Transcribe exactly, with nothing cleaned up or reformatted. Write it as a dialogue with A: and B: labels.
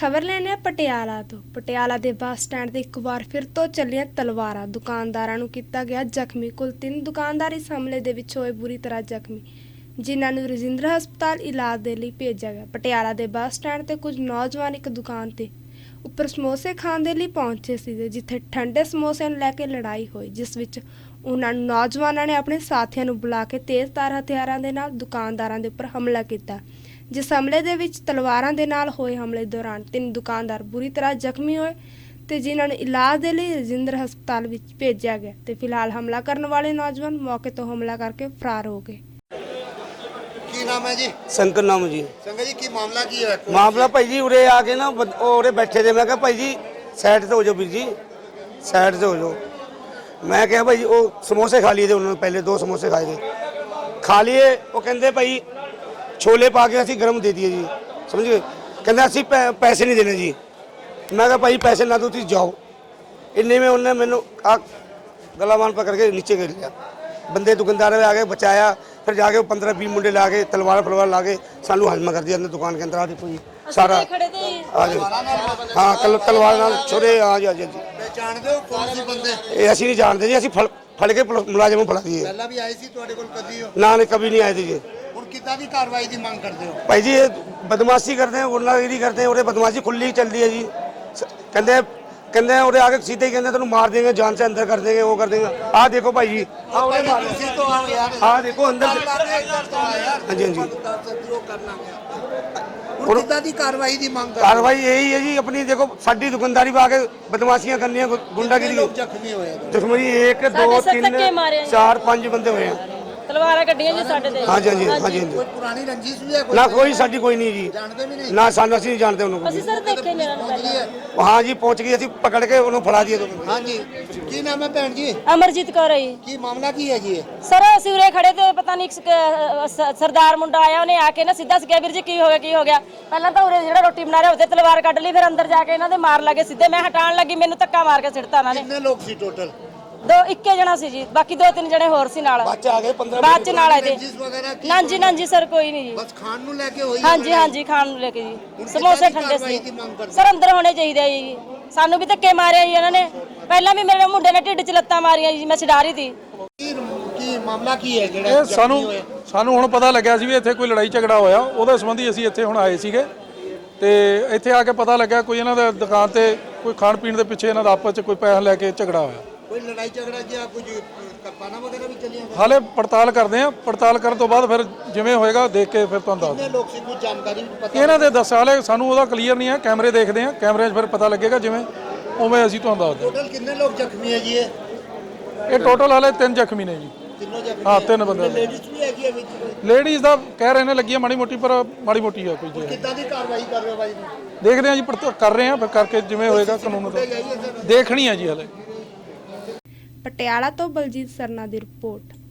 A: खबर लेने पटियाला तो पटियाला के बस स्टैंड ते एक बार फिर तो चलियां तलवारां। दुकानदारां नूं कीता गया जख्मी। कुल तीन दुकानदार इस हमले दे विच होए बुरी तरह जख्मी, जिन्हां नूं रजिंद्रा हस्पताल इलाज दे लई भेजा गया। पटियाला दे बस स्टैंड ते कुछ नौजवान एक दुकान ते ਉੱਪਰ ਸਮੋਸੇ ਖਾਣ ਦੇ ਲਈ ਪਹੁੰਚੇ ਸੀ, ਜਿੱਥੇ ਠੰਡੇ ਸਮੋਸਿਆਂ ਨੂੰ ਲੈ ਕੇ ਲੜਾਈ ਹੋਈ, ਜਿਸ ਵਿੱਚ ਉਹਨਾਂ ਨੌਜਵਾਨਾਂ ਨੇ ਆਪਣੇ ਸਾਥੀਆਂ ਨੂੰ ਬੁਲਾ ਕੇ ਤੇਜ਼ਧਾਰ ਹਥਿਆਰਾਂ ਦੇ ਨਾਲ ਦੁਕਾਨਦਾਰਾਂ ਦੇ ਉੱਪਰ ਹਮਲਾ ਕੀਤਾ। ਜਿਸ ਹਮਲੇ ਦੇ ਵਿੱਚ ਤਲਵਾਰਾਂ ਦੇ ਨਾਲ ਹੋਏ ਹਮਲੇ ਦੌਰਾਨ ਤਿੰਨ ਦੁਕਾਨਦਾਰ ਬੁਰੀ ਤਰ੍ਹਾਂ ਜ਼ਖਮੀ ਹੋਏ ਤੇ ਜਿਨ੍ਹਾਂ ਨੂੰ ਇਲਾਜ ਦੇ ਲਈ ਰਜਿੰਦਰ ਹਸਪਤਾਲ ਵਿੱਚ ਭੇਜਿਆ ਗਿਆ ਤੇ ਫਿਲਹਾਲ ਹਮਲਾ ਕਰਨ ਵਾਲੇ ਨੌਜਵਾਨ ਮੌਕੇ ਤੋਂ ਹਮਲਾ ਕਰਕੇ ਫਰਾਰ ਹੋ ਗਏ।
B: की नाम है जी?
C: शंकर नाम जी।
B: शंकर जी की मामला की है?
C: मामला भाई जी उरे आके ना उरे बैठे थे, मैं कहा भाई जी साइड से हो जाओ, वीर जी साइड से हो जाओ। मैं क्या भाई जी वो समोसे खा लिए थे उन्होंने, पहले दो समोसे खाए थे, खा लिए। वो कहते भाई छोले पा के असी गर्म दे दिए जी, समझ गए। कहते असी पैसे नहीं देने जी। मैं कहा भाई पैसे ना दो तुम जाओ। इन्ने में उन्होंने मैंने गला मान पकड़ के नीचे गिर लिया। बंदे दुकानदार आ गए, बचाया। फिर जाके पंद्रह बीस मुंडे ला के तलवार फलवार ला के सानू हजमा कर दिया अंदर दुकान के अंदर। आ देखो जी सारा आ जाओ। हाँ तल तलवार नाल छोरे आ जी आ जी।
B: पहचान दो कौन सी बंदे?
C: ये असी नहीं जानते जी, असी फल फड़ के मुलाजिम फड़ा दिए।
B: पहला भी आए सी ਤੁਹਾਡੇ ਕੋਲ ਕਦੀ ਹੋ?
C: ना नहीं कभी नहीं आए थे जी।
B: ਹੁਣ ਕਿੱਦਾਂ ਦੀ ਕਾਰਵਾਈ ਦੀ ਮੰਗ ਕਰਦੇ ਹੋ?
C: भाई जी ये बदमाशी करते हैं, गुंडागिरी करते हैं, और बदमाशी खुली चल रही है जी। कहते कहते हैं और आगे सीधे ही कहते हैं तेन मार देंगे, जान से अंदर कर देंगे, वो कर देंगे। आ देखो भाई जी
B: ਤੁਸੀਂ ਤੋਂ ਆਓ ਯਾਰ।
C: हाँ देखो अंदर। हाँ जी हाँ जी।
B: ਹੁਣ ਕਿੱਦਾਂ ਦੀ ਕਾਰਵਾਈ ਦੀ ਮੰਗ ਕਰਦੇ ਹੋ?
C: कार्रवाई यही है जी अपनी। देखो साडी दुकानदारी पे आके बदमाशियां करनी है, गुंडागिरी।
B: ਲੋਕ ਜ਼ਖਮੀ ਹੋਏ ਆ।
C: देखो जी एक दो तीन चार पांच बंदे हुए हैं।
D: तलवारा कड्डियां जी साडे ते।
C: हाँ जी हाँ जी हाँ जी हाँ
B: ਕੋਈ
C: जी।
B: ਪੁਰਾਣੀ ਰੰਜਿਸ਼ ਵੀ ਹੈ ਕੋਈ?
C: ना कोई साडी कोई नहीं जी,
B: ਜਾਣਦੇ ਵੀ ਨਹੀਂ?
C: ना सानू ਅਸੀਂ नहीं जानते उन्होंने।
D: ਅਸੀਂ ਸਰ ਦੇਖੇ ਨੇ ਇਹਨਾਂ ਨੂੰ
B: ਪਹੁੰਚ ਗਈ ਹੈ?
C: हाँ जी पहुंच गई, ਅਸੀਂ पकड़ के उन्होंने फड़ा दिए।
B: ਹਾਂਜੀ ਕੀ ਨਾਮ ਹੈ ਭੈਣ ਜੀ?
D: ਅਮਰਜੀਤ ਕੌਰ ਹੈ ਜੀ।
B: ਕੀ ਮਾਮਲਾ ਕੀ ਹੈ ਜੀ ਇਹ?
D: ਸਰ ਅਸੀਂ ਉਰੇ ਖੜੇ ਤੇ ਪਤਾ ਨਹੀਂ ਇੱਕ ਸ- ਸ- ਸਰਦਾਰ ਮੁੰਡਾ ਆਇਆ, ਉਹਨੇ ਆ ਕੇ ਨਾ ਸਿੱਧਾ ਸਿੱਧਾ ਵੀਰ ਜੀ ਕੀ ਹੋ ਗਿਆ ਕੀ ਹੋ ਗਿਆ। ਪਹਿਲਾਂ ਤਾਂ ਉਰੇ ਜਿਹੜਾ ਰੋਟੀ ਬਣਾ ਰਿਹਾ ਉਹਦੇ ਤਲਵਾਰ ਕੱਢ ਲਈ, ਫਿਰ ਅੰਦਰ ਜਾ ਕੇ ਇਹਨਾਂ ਦੇ ਮਾਰ ਲੱਗੇ ਸਿੱਧੇ। ਮੈਂ ਹਟਾਉਣ ਲੱਗੀ, ਮੈਨੂੰ ਧੱਕਾ ਮਾਰ ਕੇ ਸਿੱਟਤਾ ਇਹਨਾਂ ਨੇ।
B: ਕਿੰਨੇ ਲੋਕ ਸੀ ਟੋਟਲ?
D: ਦੋ ਇੱਕੇ ਜਣਾ ਸੀ ਜੀ, ਬਾਕੀ ਦੋ ਤਿੰਨ ਜਣੇ ਹੋਰ ਸੀ ਨਾਲ।
C: ਬੱਚੇ ਆ ਗਏ ਪੰद्रह
D: ਬਾਅਦ ਚ ਨਾਲ ਆਏ ਤੇ।
B: ਰੰਜਿਸ਼ ਵਗੈਰਾ ਕੀ?
D: ਨਾਂਜੀ ਨਾਂਜੀ ਸਰ ਕੋਈ ਨਹੀਂ ਜੀ।
B: ਬਸ ਖਾਣ ਨੂੰ ਲੈ ਕੇ ਹੋਈ?
D: ਹਾਂਜੀ ਹਾਂਜੀ ਖਾਣ ਨੂੰ ਲੈ ਕੇ ਜੀ,
B: ਕਿੱਦਾਂ
D: ਸਮੋਸੇ
B: ਦੀ
D: ਠੰਡੇ
B: ਕਾਰਵਾਈ
D: ਸੀ
B: ਦੀ ਮੰਗ ਕਰਦੇ?
D: ਸਰ। ਅੰਦਰ ਹੋਣੇ ਚਾਹੀਦੇ ਆ ਜੀ, ਸਾਨੂੰ ਵੀ ਧੱਕੇ ਮਾਰਿਆ ਜੀ ਇਹਨਾਂ ਨੇ। ਪਹਿਲਾਂ ਵੀ ਮੇਰੇ ਮੁੰਡੇ ਨੇ ਢਿੱਡ 'ਚ ਲੱਤਾਂ ਮਾਰੀਆਂ ਜੀ, ਮੈਂ ਛਡਾ ਰਹੀ ਸੀ।
B: ਕੀ ਕੀ ਮਾਮਲਾ ਕੀ ਹੈ ਜਿਹੜਾ
E: ਇਹ ਸਾਨੂੰ
B: ਜ਼ਖਮੀ ਹੋਏ?
E: ਸਾਨੂੰ ਹੁਣ ਪਤਾ ਲੱਗਿਆ ਸੀ ਵੀ ਇੱਥੇ ਕੋਈ ਲੜਾਈ ਝਗੜਾ ਹੋਇਆ, ਉਹਦੇ ਸੰਬੰਧੀ ਅਸੀਂ ਇੱਥੇ ਹੁਣ ਆਏ ਸੀਗੇ। ਤੇ ਇੱਥੇ ਆ ਕੇ ਪਤਾ ਲੱਗਾ ਕੋਈ ਇਹਨਾਂ ਦੇ ਦੁਕਾਨ ਤੇ ਕੋਈ ਖਾਣ ਪੀਣ ਦੇ ਪਿੱਛੇ ਇਹਨਾਂ ਦਾ ਆਪਸ 'ਚ ਕੋਈ ਪੈਸਾ ਲੈ ਕੇ ਝਗੜਾ ਹੋਇਆ।
B: ਕੋਈ ਲੜਾਈ ਝਗੜਾ ਜਾਂ ਕੁਝ ਕਰਪਾਨਾ ਵਗੈਰਾ ਵੀ ਚੱਲੀਆਂ?
E: ਹਾਲੇ ਪੜਤਾਲ ਕਰਦੇ ਆ, ਪੜਤਾਲ ਕਰਨ ਤੋਂ ਬਾਅਦ ਫਿਰ ਜਿਵੇਂ ਹੋਏਗਾ ਦੇਖ ਕੇ ਫਿਰ ਤੁਹਾਨੂੰ ਦੱਸ
B: ਕਿੰਨੇ ਲੋਕ ਸੀ, ਕੁਝ ਜਾਣਕਾਰੀ ਵੀ ਪਤਾ?
E: ਇਹਨਾਂ ਦੇ ਦੱਸ ਹਾਲੇ ਸਾਨੂੰ ਉਹਦਾ ਕਲੀਅਰ ਨਹੀਂ ਹੈ, ਕੈਮਰੇ ਦੇਖਦੇ ਆ, ਕੈਮਰਿਆਂ 'ਚ ਫਿਰ ਪਤਾ ਲੱਗੇਗਾ, ਜਿਵੇਂ ਉਵੇਂ ਅਸੀਂ ਤੁਹਾਨੂੰ ਦੱਸ
B: ਟੋਟਲ ਕਿੰਨੇ ਲੋਕ ਜ਼ਖਮੀ ਹੈ ਜੀ ਇਹ?
E: ਦਿੰਦੇ। ਇਹ ਟੋਟਲ ਹਾਲੇ ਤਿੰਨ ਜ਼ਖਮੀ ਨੇ ਜੀ।
B: ਤਿੰਨੋਂ ਜ਼ਖਮੀ?
E: ਹਾਂ ਤਿੰਨ ਬੰਦੇ।
B: ਲੇਡੀਜ਼ ਵੀ ਹੈਗੀ ਹੈ ਵਿੱਚ ਕੋਈ?
E: ਲੇਡੀਜ਼ ਦਾ ਕਹਿ ਰਹੇ ਨੇ ਲੱਗੀ ਆ ਮਾੜੀ ਮੋਟੀ, ਪਰ ਮਾੜੀ ਮੋਟੀ ਆ ਕੋਈ ਜੀ।
B: ਕਿੱਦਾਂ ਦੀ ਕਾਰਵਾਈ ਕਰ ਰਹੇ ਹੋ ਬਾਈ ਨੂੰ?
E: ਦੇਖਦੇ ਆ ਜੀ, ਪੜਤਾਲ ਕਰ ਰਹੇ ਆ, ਫਿਰ ਕਰਕੇ ਜਿਵੇਂ ਹੋਏਗਾ ਕਾਨੂੰਨ ਦਾ ਦੇਖਣੀ ਆ ਜੀ ਹਲੇ।
A: ਪਟਿਆਲਾ ਤੋਂ ਬਲਜੀਤ ਸਰਨਾ ਦੀ ਰਿਪੋਰਟ।